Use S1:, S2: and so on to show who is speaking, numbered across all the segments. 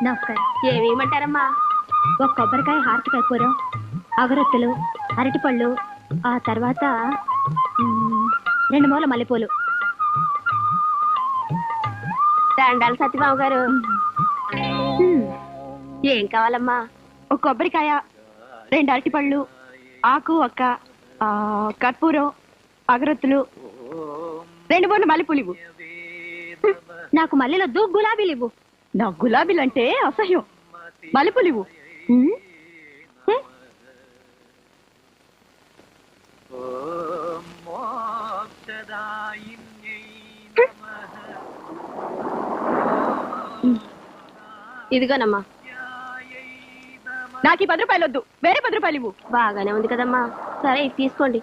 S1: నమస్కారం.
S2: ఏమేమంటారమ్మా?
S1: ఒక కొబ్బరికాయ, హారతి కర్పూరం, అగరొత్తులు, అరటిపళ్ళు, ఆ తర్వాత 2 మూల మల్లెపూలు.
S2: దండాలు సత్యబాబు గారు. ఏం కావాలమ్మా?
S1: ఒక కొబ్బరికాయ, 2 అరటిపళ్ళు, ఆకు ఒక్క, కర్పూరం, అగరొత్తులు, 2 మూల మల్లెపూలు ఇవ్వు. నాకు మల్లెలొద్దు, గులాబీలు ఇవ్వు. నాకు గులాబీలు అంటే అసహ్యం. మల్లెపూలు ఇవ్వు.
S2: ఇదిగోనమ్మా.
S1: నాకు ఈ 10 రూపాయలు వద్దు, వేరే 10 రూపాయలు ఇవ్వు.
S2: బాగానే ఉంది కదమ్మా. సరే ఇది తీసుకోండి.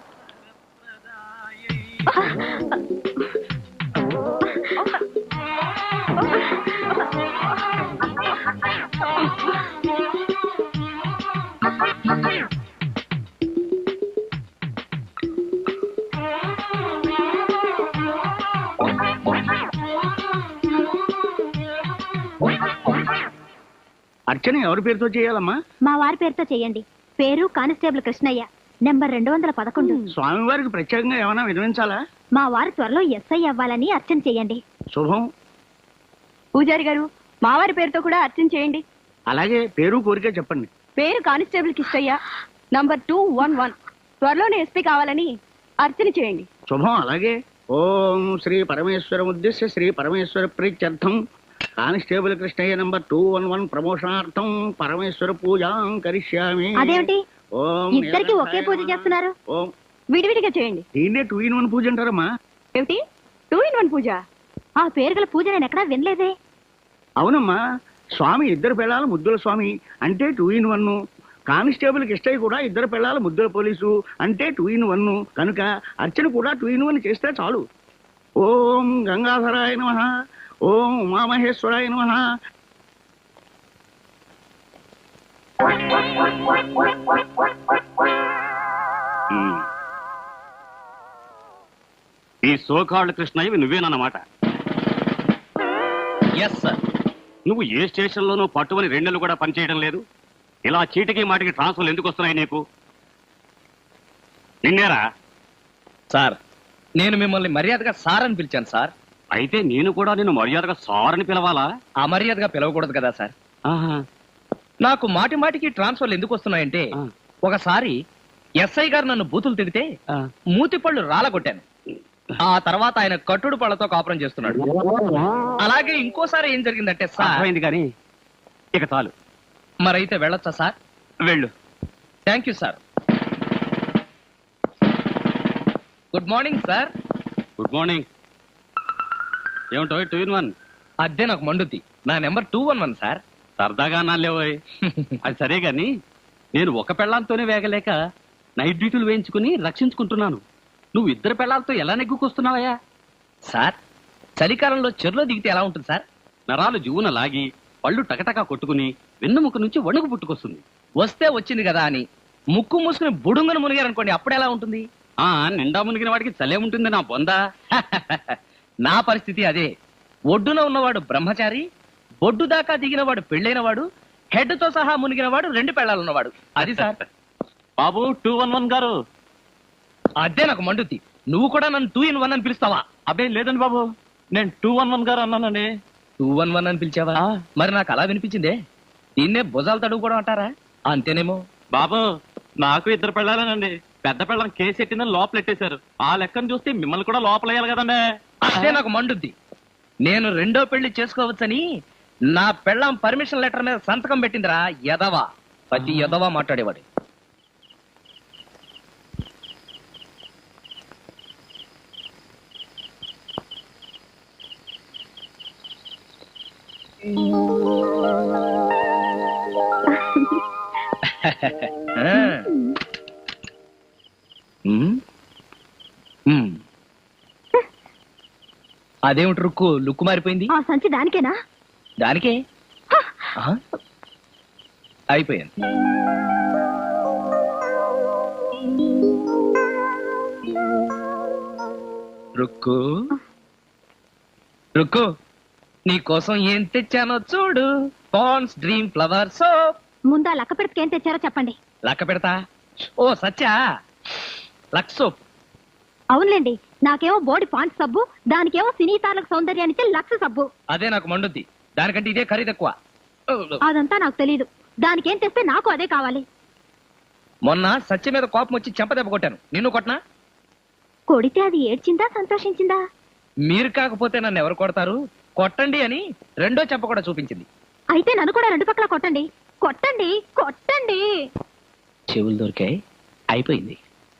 S3: అర్చన ఎవరి పేరుతో చేయాలమ్మా?
S1: మా వారి పేరుతో చెయ్యండి. పేరు కానిస్టేబుల్ కృష్ణయ్య, నెంబర్ 211.
S3: స్వామివారికి ప్రత్యేకంగా ఏమైనా వినిపించాలా?
S1: మా వారు త్వరలో ఎస్ఐ అవ్వాలని అర్చన చేయండి.
S3: శుభం.
S1: పూజారి గారు, మా వారి పేరుతో కూడా అర్చన చేయండి.
S3: అలాగే పేరు కోరిక చెప్పండి.
S1: పేరు కానిస్టేబుల్ కిష్టయ్య, నంబర్ 211. త్వరలోనే ఎస్పీ కావాలని అర్చన చేయండి.
S3: శుభం. అలాగే ఓం శ్రీ పరమేశ్వర ఉద్దేశ్య శ్రీ పరమేశ్వర ప్రీత్యర్థం కానిస్టేబుల్ కృష్ణయ్య నంబర్ 211 ప్రమోషనార్థం పరమేశ్వర పూజాం కరిష్యామి.
S1: అదేమిటి
S3: ఓం
S1: ఇద్దరికి ఒకే పూజ చేస్తున్నారు?
S3: ఓం
S1: విడివిడిగా చేయండి.
S3: దీన్నే 2 in 1 పూజ అంటారమ్మా.
S1: ఏమిటి 2 in 1 పూజ? ఆ పేరు గల పూజ నేను ఎక్కడా వినలేదే.
S3: అవునమ్మా, స్వామి ఇద్దరు పిల్లల ముద్దుల స్వామి అంటే 2 in 1. కానిస్టేబుల్ కిష్టయ్య కూడా ఇద్దరు పిల్లల ముద్దుల పోలీసు అంటే 2 in 1. కనుక అర్చన కూడా 2 in 1 చేస్తే చాలు. ఓం గంగాధరాయ నమః, ఓం ఉమామహేశ్వరాయ నమః.
S4: ఈ సోకాళ్ళు కృష్ణయ్యవి నువ్వేనన్నమాట. Yes sir. నువ్వు ఏ స్టేషన్లోనూ పట్టుమని 2 నెలలు కూడా పనిచేయడం లేదు. ఇలా చీటికి మాటికి ట్రాన్స్ఫర్లు ఎందుకు వస్తున్నాయి నీకు? నిన్నేరా?
S5: సార్, నేను మిమ్మల్ని మర్యాదగా సార్ అని పిలిచాను సార్.
S4: అయితే నేను కూడా నిన్ను మర్యాదగా సార్ అని పిలవాలా?
S5: అమర్యాదగా పిలవకూడదు కదా సార్. నాకు మాటి మాటికి ట్రాన్స్ఫర్లు ఎందుకు వస్తున్నాయంటే, ఒకసారి ఎస్ఐ గారు నన్ను బూతులు తిడితే మూతి పళ్ళు రాలగొట్టాను. ఆ తర్వాత ఆయన కట్టుడు పళ్ళతో కాపురం చేస్తున్నాడు. అలాగే ఇంకోసారి ఏం జరిగిందంటే సార్.
S4: అయింది కానీ ఇక చాలు.
S5: మరైతే వెళ్ళొచ్చా సార్?
S4: వెళ్ళు.
S5: Thank you sir. Good morning sir.
S4: Good morning. ఏమిటో 2 in 1?
S5: అదే నాకు మండుద్ది. నా నెంబర్ 211 సార్.
S4: సరదాగా నాలేవోయ్. అది సరే గాని నేను ఒక పెళ్ళాంతోనే వేగలేక నైట్ డ్యూటీలు వేయించుకుని రక్షించుకుంటున్నాను. నువ్వు ఇద్దరు పెళ్ళాలతో ఎలా నెగ్గుకొస్తున్నావయ్యా?
S5: సార్, చలికాలంలో చెరులో దిగితే ఎలా ఉంటుంది సార్?
S4: నరాలు జువున లాగి పళ్ళు టకటకా కొట్టుకుని వెన్నుముక నుంచి వణుకు పుట్టుకొస్తుంది.
S5: వస్తే వచ్చింది కదా అని ముక్కు మూసుకుని బుడుంగను మునిగారనుకోండి, అప్పుడెలా ఉంటుంది?
S4: నిండా మునిగిన వాడికి చలే ఉంటుంది నా బొందా.
S5: నా పరిస్థితి అదే. ఒడ్డున ఉన్నవాడు బ్రహ్మచారి, బొడ్డు దాకా దిగినవాడు పెళ్ళైనవాడు, హెడ్ తో సహా మునిగినవాడు 2 పెళ్ళాలున్నవాడు. అది సార్.
S4: బాబు 211 గారు.
S5: అదే నాకు మండుద్ది. నువ్వు కూడా నన్ను 2 in 1 అని పిలుస్తావా?
S4: అబ్బే లేదండి బాబు, నేను 211 గారు అన్నానండి.
S5: 211 అని పిలిచావా? మరి నాకు అలా వినిపించిందే. దీన్నే భుజాలు తడుగుకోవడం అంటారా? అంతేనేమో.
S4: బాబు నాకు 2 పెళ్ళాలేనండి. పెద్ద పెళ్ళం కేసు ఎట్టిందని లోపలెట్టేశారు. ఆ లెక్కను చూస్తే మిమ్మల్ని కూడా లోపలేయాలి కదండి.
S5: అదే నాకు మండుద్ది. నేను 2వ పెళ్లి చేసుకోవచ్చని నా పెళ్ళాం పర్మిషన్ లెటర్ మీద సంతకం పెట్టిందిరా యదవా. ప్రతి యదవా మాట్లాడేవాడు. అదేమిటి రుక్కు లుక్కు మారిపోయింది?
S1: ఆ సంచి దానికేనా?
S5: దానికే. అయిపోయాను. రుక్కు రుక్కు, నీ కోసం ఏం తెచ్చానో చూడు. Pond's dream flower soap.
S1: ముందా లక్క పెడితే ఏం తెచ్చారో చెప్పండి.
S5: లక్క పెడతా. ఓ సత్యా, లక్స్ సోప్.
S1: అవునులేండి, నాకేమో బోడి పాండ్స్ సబ్బు, దానికేమో సినీ తారలకు సౌందర్యాన్నిచ్చే లక్స్ సబ్బు.
S5: అదే నాకు మండుద్ది, దానికంటే ఇదే ఖరీదు ఎక్కువ.
S1: అదంతా నాకు తెలీదు, దానికేం తెస్తే నాకు అదే కావాలి.
S5: మొన్న సత్య మీద కోపం వచ్చి చెంపదెబ్బ కొట్టాను, నిన్ను కొట్టనా?
S1: కొడితే అది ఏడ్చిందా సంతోషించిందా?
S5: మీరు కాకపోతే నన్ను ఎవరు కొడతారు, కొట్టండి అని రెండో చెంప కూడా చూపించింది.
S1: అయితే నన్ను కూడా రెండు పక్కల కొట్టండి, కొట్టండి, కొట్టండి.
S5: చెవులు దొరికాయి, అయిపోయింది.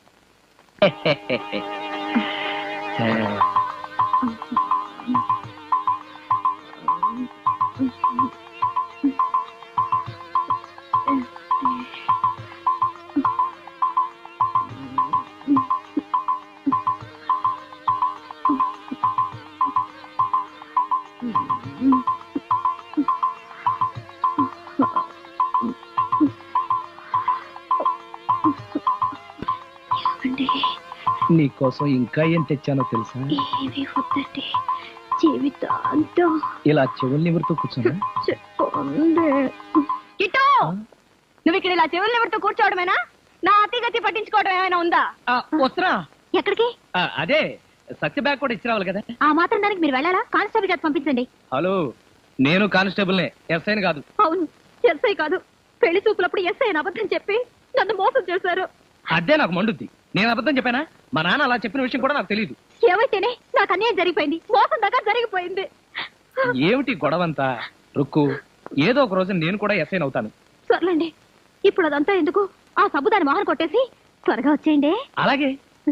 S5: నీకోసం ఇంకా ఏం తెచ్చానో తెలుసా?
S1: ఏమి వద్దండి, జీవితాంతం
S5: ఇలా చెవుల్ని ఎవరితో కూర్చున్నా?
S1: చెప్పండి. కిట్టు, నువ్వు ఇక్కడ ఇలా చెవులు ఎవరితో కూర్చోవడమేనా? నా అతిగతి పట్టించుకోవడం ఏమైనా ఉందా?
S5: వస్తున్నా.
S1: ఎక్కడికి?
S5: అదే సత్య బ్యాగ్ కూడా ఇచ్చి రావాలి కదా.
S1: ఆ మాత్రం దానికి మీరు వెళ్ళాలా? కానిస్టేబుల్ గారు పంపించండి.
S5: హలో, నేను కానిస్టేబుల్నే, ఎస్ఐని కాదు.
S1: అవును, ఎస్ఐ కాదు. పెళ్లి చూపులప్పుడు ఎస్ఐ అని అబద్ధం చెప్పి నన్ను మోసం చేశారు.
S5: అదే నాకు మండుద్ది. నేను అబద్ధం చెప్పానా? మా నాన్న అలా చెప్పిన విషయం కూడా నాకు తెలియదు.
S1: ఏమైతేనే నాకు అన్యాయం జరిగిపోయింది, మోసం దాకా జరిగిపోయింది.
S5: ఏమిటి గొడవంతా? రుక్కు, ఏదో ఒక రోజు నేను కూడా ఎస్ఐని అవుతాను.
S1: సర్లేండి, ఇప్పుడు అదంతా ఎందుకు? ఆ సబ్బు దాని మొహం కొట్టేసి త్వరగా వచ్చేయండి.
S5: అలాగే.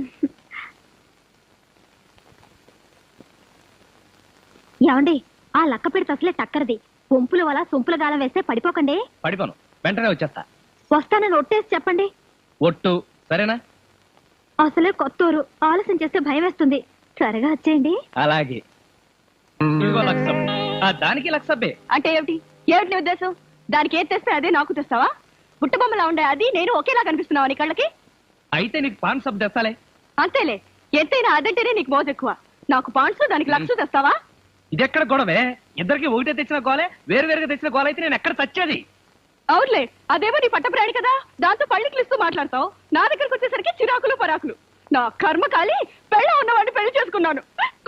S1: ఏమండి, ఆ లక్క పెడితే అసలే టక్కరది. పొంపుల వల్ల సొంపుల గాలం వేస్తే పడిపోకండి.
S5: పడిపోను, వెంటనే వచ్చేస్తా.
S1: వస్తానని ఒట్టేసి చెప్పండి.
S5: ఒట్టు, సరేనా?
S1: అసలే కొత్తూరు, ఆలస్యం చేస్తే భయం వేస్తుంది. త్వరగా వచ్చేయండి.
S5: అలాగే. ఇదిగో లక్షం. దానికి లక్షబ్బే.
S1: అంటే ఏమిటి? ఏమిటి నీ ఉద్దేశం? దానికి ఏది తెస్తే అదే నాకు తెస్తావా? బుట్టబొమ్మలా ఉండే అది నేను ఒకేలా కనిపిస్తున్నావా నీ కళ్ళకి?
S5: అయితే నీకు పాన్ సబ్ తెస్తాలే.
S1: అంతేలే, ఎంతైనా అదంటేనే నీకు మోజు ఎక్కువ. నాకు పాండ్స్, దానికి లక్ష తెస్తావా?
S5: ఇదెక్కడ గొడవే? ఇద్దరికి ఒకటే తెచ్చిన గోలే, వేరు వేరుగా తెచ్చిన గోల అయితే నేను ఎక్కడ చచ్చేది?
S1: అవునులే, అదేమో నీ పట్టప్రాణి కదా, దాంతో పళ్ళికి ఇస్తూ మాట్లాడతావు. నా దగ్గరకు వచ్చేసరికి చిరాకులు పరాకులు. నా కర్మ కాలి పెళ్ళ ఉన్నవాడిని పెళ్లి చేసుకున్నాను.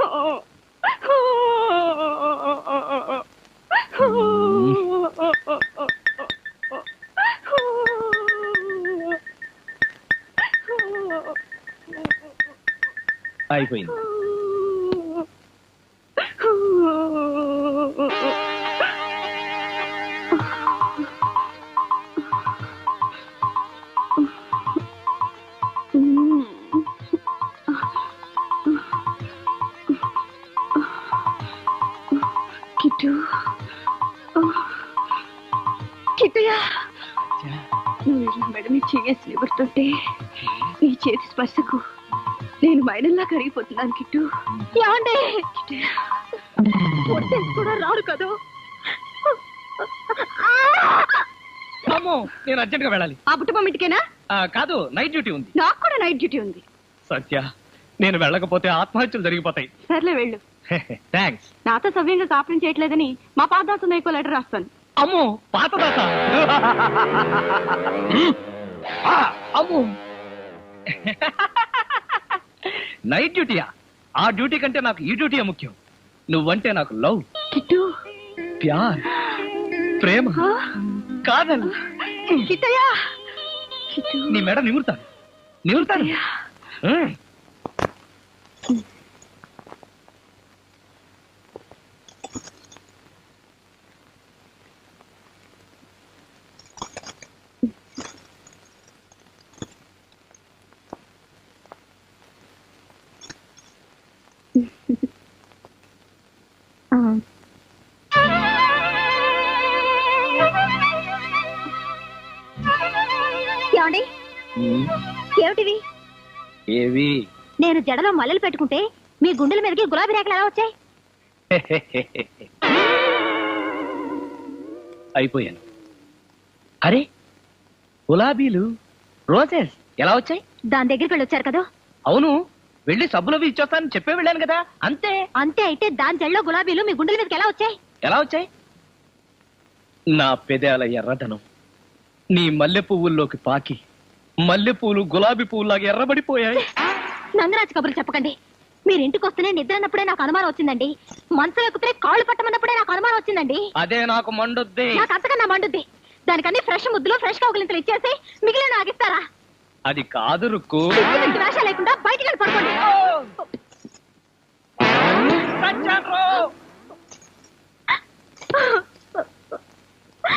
S5: అయిపోయింది.
S1: కిట్టుయా, నువ్వు ఇలా మెడని చేసి నిబడుతుంటే నీ చేతి స్పర్శకు నేను మైనల్లా కరిగిపోతున్నాను. కిట్టు, ఏమంటే కూడా రారు కదా.
S5: అమ్మో, నేను అర్జెంట్ గా వెళ్ళాలి.
S1: ఆ బుట్టబొమ్మ ఇంటికేనా?
S5: కాదు, నైట్ డ్యూటీ ఉంది.
S1: నాకు కూడా నైట్ డ్యూటీ ఉంది.
S5: సత్య, నేను వెళ్ళకపోతే ఆత్మహత్యలు జరిగిపోతాయి.
S1: సర్లే వెళ్ళు.
S5: థ్యాంక్స్.
S1: నాతో సవ్యంగా కాపురం చేయట్లేదని మా పాదాసు నీకో లెటర్ రాస్తాను.
S5: అమ్మో, పాతదాత. అమ్మో, నైట్ డ్యూటీయా? ఆ డ్యూటీ కంటే నాకు ఈ డ్యూటీయే ముఖ్యం. నువ్వంటే నాకు లవ్,
S1: కిట్టు,
S5: ప్యార్, ప్రేమ, కాదల్.
S1: కిట్టయ్యా,
S5: నీ మెడ నిమురుతాను, నిమురుతాను.
S1: ఏమండి, ఏమిటివి?
S5: ఏవి?
S1: నేను జడలో మల్లెలు పెట్టుకుంటే మీ గుండెల మీదకి గులాబీ రేఖలు ఎలా వచ్చాయి?
S5: అయిపోయాను. అరే, గులాబీలు, రోజెస్ ఎలా వచ్చాయి?
S1: దాని దగ్గరికి వెళ్ళి వచ్చారు కదా.
S5: అవును, వెళ్ళి సబ్బులవి ఇచ్చొస్తానని చెప్పే వెళ్ళాను కదా. అంతే.
S1: అంతే అయితే దాని జడలో గులాబీలు మీ గుండెల మీదకి ఎలా వచ్చాయి?
S5: ఎలా వచ్చాయి? నా పెదాల ఎర్రదనం నీ మల్లె పువ్వుల్లోకి పాకి మల్లె పువ్వులు గులాబీ పువ్వులాగా ఎర్రబడిపోయాయి.
S1: నంగరాజు కబుర్లు చెప్పకండి. మీరు ఇంటికి వస్తేనే నిద్ర అన్నప్పుడే నాకు అనుమానం వచ్చిందండి. మంచం ఎక్కుతే కాళ్ళు పట్టమన్నప్పుడే నాకు అనుమానం వచ్చిందండి.
S5: అదే నాకు మండుద్ది.
S1: నాకు అంతకన్నా మండుద్ది. దానికన్నీ ఫ్రెష్ ముద్దులు ఫ్రెష్ కౌగులింతలు ఇచ్చేసి మిగిలిన ఆగిస్తారా?
S5: అది కాదు రుక్కు.
S1: వేష లేకుండా బయటికి వెళ్ళి పడుకోండి.
S5: చచ్చాను.